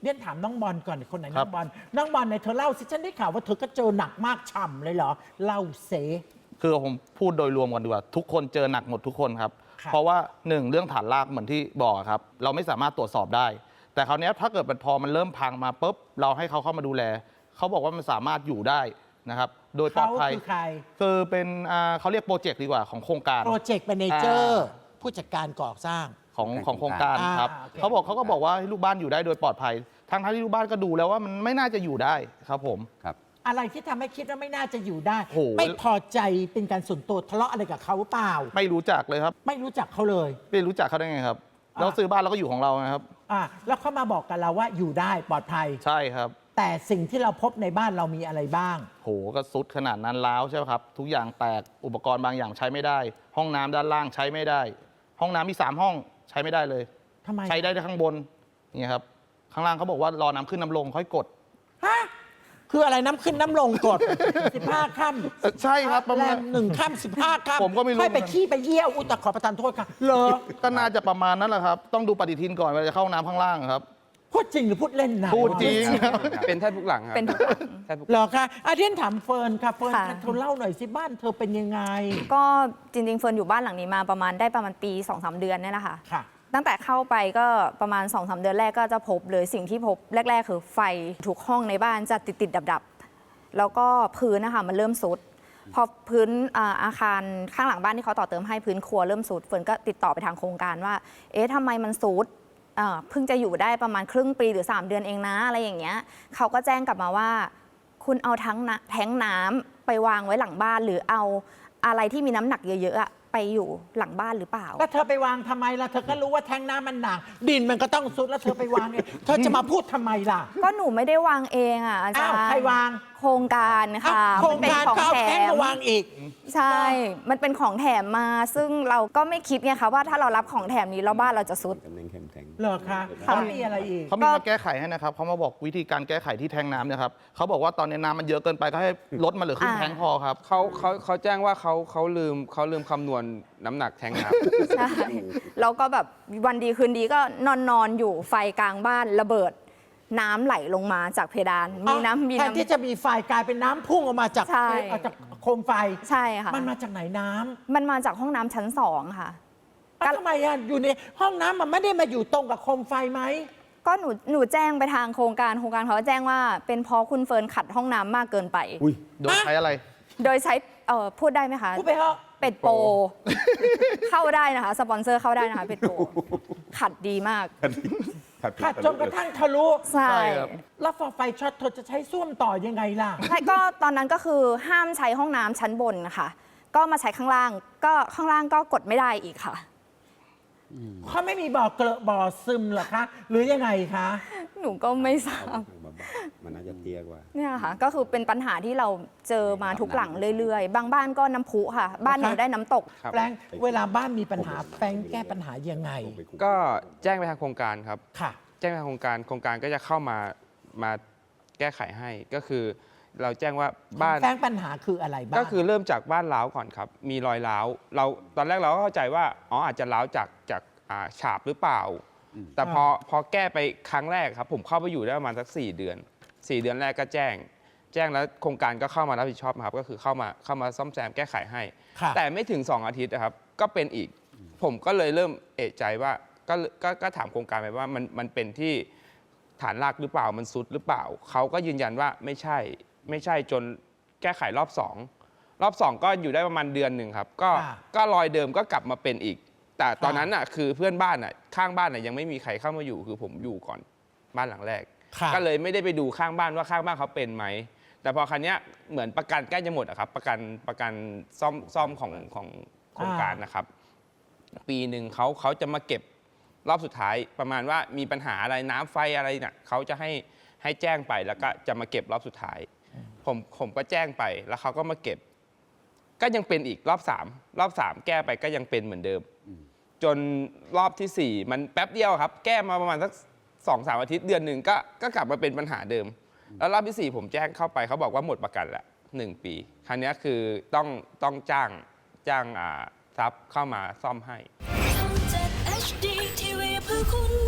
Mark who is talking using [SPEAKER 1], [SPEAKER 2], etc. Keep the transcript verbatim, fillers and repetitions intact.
[SPEAKER 1] เรียนถามน้องบอลก่อนคนไหนน้องบอลน้องบอลในเธอเล่าสิฉันได้ข่าวว่าเธอก็เจอหนักมากฉ่ำเลยเหรอเล่าเส
[SPEAKER 2] คือผมพูดโดยรวมกันดีกว่าทุกคนเจอหนักหมดทุกคนครับเพราะว่าหนึ่งเรื่องฐานรากเหมือนที่บอกครับเราไม่สามารถตรวจสอบได้แต่คราวนี้ถ้าเกิดมันพอมันเริ่มพังมาปุ๊บเราให้เขาเข้ามาดูแลเขาบอกว่ามันสามารถอยู่ได้นะครับโดยปลอดภัย
[SPEAKER 1] คือใคร
[SPEAKER 2] คือเป็นเขาเรียกโปรเจกต์ดีกว่าของโครงการ
[SPEAKER 1] โปรเจกต์แมเนเจอร์ผู้จัดการก่อสร้าง
[SPEAKER 2] ของของโครงการครับเขาบอกเขาก็บอกว่าให้ลูกบ้านอยู่ได้โดยปลอดภัยทั้งที่ลูกบ้านก็ดูแล้วว่ามันไม่น่าจะอยู่ได้ครับผม
[SPEAKER 3] ครับ
[SPEAKER 1] อะไรที่ทำให้คิดว่าไม่น่าจะอยู่ได้ไม่พอใจเป็นการส่วนตัวทะเลาะอะไรกับเขาเปล่า
[SPEAKER 2] ไม่รู้จักเลยครับ
[SPEAKER 1] ไม่รู้จักเขาเลย
[SPEAKER 2] ไม่รู้จักเขาได้ไงครับเราซื้อบ้านเราก็อยู่ของเรานะครับ
[SPEAKER 1] อ่าแล้วเขามาบอกกับเราว่าอยู่ได้ปลอดภัย
[SPEAKER 2] ใช่ครับ
[SPEAKER 1] แต่สิ่งที่เราพบในบ้านเรามีอะไรบ้าง
[SPEAKER 2] โหก็ซุดขนาดนั้นแล้วใช่ไหมครับทุกอย่างแตกอุปกรณ์บางอย่างใช้ไม่ได้ห้องน้ำด้านล่างใช้ไม่ได้ห้องน้ำมีสามห้องใช้ไม่ได้เลย
[SPEAKER 1] ทำไม
[SPEAKER 2] ใช้ได้แต่ข้างบนนี่ครับข้างล่างเขาบอกว่ารอน้ำขึ้นน้ำลงค่อยกด
[SPEAKER 1] ฮะคืออะไรน้ำขึ้นน้ำลงกดสิบห้าค่
[SPEAKER 2] ำใช่ครับประมาณ
[SPEAKER 1] หนึ่งค่ำสิบห้าค่ำ
[SPEAKER 2] ผมก็ไม่รู้
[SPEAKER 1] ค่อยไปขี้ไปเยี่ยวอุตตะขอประทานโทษค่ะเหรอ
[SPEAKER 2] ก็น่าจะประมาณนั้นแหละครับต้องดูปฏิทินก่อนเวลาจะเข้าน้ำข้างล่างครับ
[SPEAKER 1] พูดจริงหรือพูดเล่นนะ
[SPEAKER 2] พูดจริง
[SPEAKER 3] เป็นแทบทุกหลังครับ
[SPEAKER 4] เป็นทุกหลัง
[SPEAKER 1] เหรอคะอาเทียนถามเฟิร์นค่ะเฟิร์นเธอเล่าหน่อยสิบ้านเธอเป็นยังไง
[SPEAKER 4] ก็จริงๆเฟิร์นอยู่บ้านหลังนี้มาประมาณได้ประมาณปี สองสาม เดือนนี่แหละค่ะ
[SPEAKER 1] ค่ะ
[SPEAKER 4] ตั้งแต่เข้าไปก็ประมาณ สองสาม เดือนแรกก็จะพบเลยสิ่งที่พบแรกๆคือไฟทุกห้องในบ้านจะติดๆดับๆแล้วก็พื้นนะคะมันเริ่มสุดพอพื้นอาคารข้างหลังบ้านที่เขาต่อเติมให้พื้นครัวเริ่มสุดเฟิร์นก็ติดต่อไปทางโครงการว่าเอ๊ะทำไมมันสุดเพิ่งจะอยู่ได้ประมาณครึ่งปีหรือสามเดือนเองนะอะไรอย่างเงี้ยเขาก็แจ้งกลับมาว่าคุณเอาทั้งแท้งน้ำไปวางไว้หลังบ้านหรือเอาอะไรที่มีน้ำหนักเยอะๆไปอยู่หลังบ้านหรือเปล่า
[SPEAKER 1] แล้วเธอไปวางทำไมล่ะเธอก็รู้ว่าแท้งน้ำมันหนักดินมันก็ต้องซุดแล้วเธอไปวางเองเธอจะมาพูดทำไมล่ะ
[SPEAKER 4] ก็หนูไม่ได้วางเองอ่ะอาจารย์
[SPEAKER 1] ใครวาง
[SPEAKER 4] โครงการค่ะ
[SPEAKER 1] โครงการก็เอาแท้งมาวางอีก
[SPEAKER 4] ใช่มันเป็นของแถมมาซึ่งเราก็ไม่คิดไงคะว่าถ้าเรารับของแถมนี้แล้วบ้านเราจะซุด
[SPEAKER 1] เหรอคะเขามีอะไรอีก
[SPEAKER 2] เขามีมาแก้ไขให้นะครับเขามาบอกวิธีการแก้ไขที่แทงน้ำเนี่ยครับเขาบอกว่าตอนนี้น้ำมันเยอะเกินไปก็ให้ลดมาเหลือครึ่งแทงพอครับ
[SPEAKER 3] เขาเขาเขาแจ้งว่าเขาเขาลืมเขาลืมคำนวณน้ำหนักแทงน้
[SPEAKER 4] ำใช่แล้วก็แบบวันดีคืนดีก็นอนนอนอยู่ไฟกลางบ้านระเบิดน้ำไหลลงมาจากเพดานมีน้ำมี
[SPEAKER 1] น้ำที่จะมีไฟกลายเป็นน้ำพุ่งออกมาจากจากโคมไฟ
[SPEAKER 4] ใช่ค่ะ
[SPEAKER 1] มันมาจากไหนน้
[SPEAKER 4] ำมันมาจากห้องน้ำชั้นสองค่ะ
[SPEAKER 1] ทำไมอ่ะอยู่ในห้องน้ำมันไม่ได้มาอยู่ตรงกับโคมไฟไหม
[SPEAKER 4] ก็หนูหนูแจ้งไปทางโครงการโครงการเขาแจ้งว่าเป็นเพราะคุณเฟิร์นขัดห้องน้ำมากเกินไป
[SPEAKER 2] โดยใช้อะไร
[SPEAKER 4] โดยใช้เอ่อพูดได้ไหมคะ
[SPEAKER 1] พูดไปเถอะ
[SPEAKER 4] เป็ดโปเข้าได้นะคะสปอนเซอร์เข้าได้นะคะเป็ดโปขัดดีมาก
[SPEAKER 1] ขัดจนกระทั่งทะลุ
[SPEAKER 4] ใช่
[SPEAKER 1] แล้วพอไฟช็อตเธอจะใช้ส้วมต่อยังไงล่ะ
[SPEAKER 4] ใช่ก็ตอนนั้นก็คือห้ามใช้ห้องน้ำชั้นบนนะคะก็มาใช้ข้างล่างก็ข้างล่างก็กดไม่ได้อีกค่ะ
[SPEAKER 1] เขาไม่มีบ่อเกลอะบ่อซึมหรอคะหรือยังไงคะ
[SPEAKER 4] หนูก็ไม่ทราบ
[SPEAKER 3] มันน่าจะเตี้ยกว่า
[SPEAKER 4] เนี่ยค่ะก็คือเป็นปัญหาที่เราเจอมาทุกหลังเรื่อยๆบางบ้านก็น้ำพุค่ะบ้านหนูได้น้ำตก
[SPEAKER 1] แปลงเวลาบ้านมีปัญหาแปลงแก้ปัญหายังไง
[SPEAKER 3] ก็แจ้งไปทางโครงการครับ
[SPEAKER 1] ค่ะ
[SPEAKER 3] แจ้งไปทางโครงการโครงการก็จะเข้ามามาแก้ไขให้ก็คือเราแจ้งว่าบ้าน
[SPEAKER 1] แปลงปัญหาคืออะไรบ้าง
[SPEAKER 3] ก็คือเริ่มจากบ้านร้าวก่อนครับมีรอยร้าวเราตอนแรกเราก็เข้าใจว่าอ๋ออาจจะร้าวจากจากฉาบหรือเปล่าแต่พอพอแก้ไปครั้งแรกครับผมเข้าไปอยู่ได้ประมาณสักสี่เดือนสี่เดือนแรกก็แจ้งแจ้งแล้วโครงการก็เข้ามารับผิดชอบครับก็คือเข้ามาเข้ามาซ่อมแซมแก้ไขให้แต่ไม่ถึงสองอาทิตย์นะครับก็เป็นอีกผมก็เลยเริ่มเอะใจว่าก็ก็ถามโครงการไปว่ามันมันเป็นที่ฐานรากหรือเปล่ามันซุดหรือเปล่าเขาก็ยืนยันว่าไม่ใช่ไม่ใช่จนแก้ไขรอบสองรอบสองก็อยู่ได้ประมาณเดือนหนึ่งครับก็ก็รอยเดิมก็กลับมาเป็นอีกแต่ตอนนั้นน่ะคือเพื่อนบ้านน่ะข้างบ้านน่ะยังไม่มีใครเข้ามาอยู่คือผมอยู่ก่อนบ้านหลังแรกก็เลยไม่ได้ไปดูข้างบ้านว่าข้างบ้านเขาเป็นไหมแต่พอครั้งนี้เหมือนประกันใกล้จะหมดอะครับประกันประกันซ่อมซ่อมของของโครงการนะครับปีหนึ่งเขาเขาจะมาเก็บรอบสุดท้ายประมาณว่ามีปัญหาอะไรน้ำไฟอะไรเนี่ยเขาจะให้ให้แจ้งไปแล้วก็จะมาเก็บรอบสุดท้ายผมผมก็แจ้งไปแล้วเขาก็มาเก็บก็ยังเป็นอีกรอบสามรอบสามแก้ไปก็ยังเป็นเหมือนเดิมจนรอบที่สี่มันแป๊บเดียวครับแก้มาประมาณสักสองสามอาทิตย์เดือนหนึ่งก็ก็กลับมาเป็นปัญหาเดิมแล้วรอบที่สี่ผมแจ้งเข้าไปเขาบอกว่าหมดประกันละหนึ่งปีครั้งนี้คือต้องต้องจ้างจ้างอ่าทรัพย์เข้ามาซ่อมให้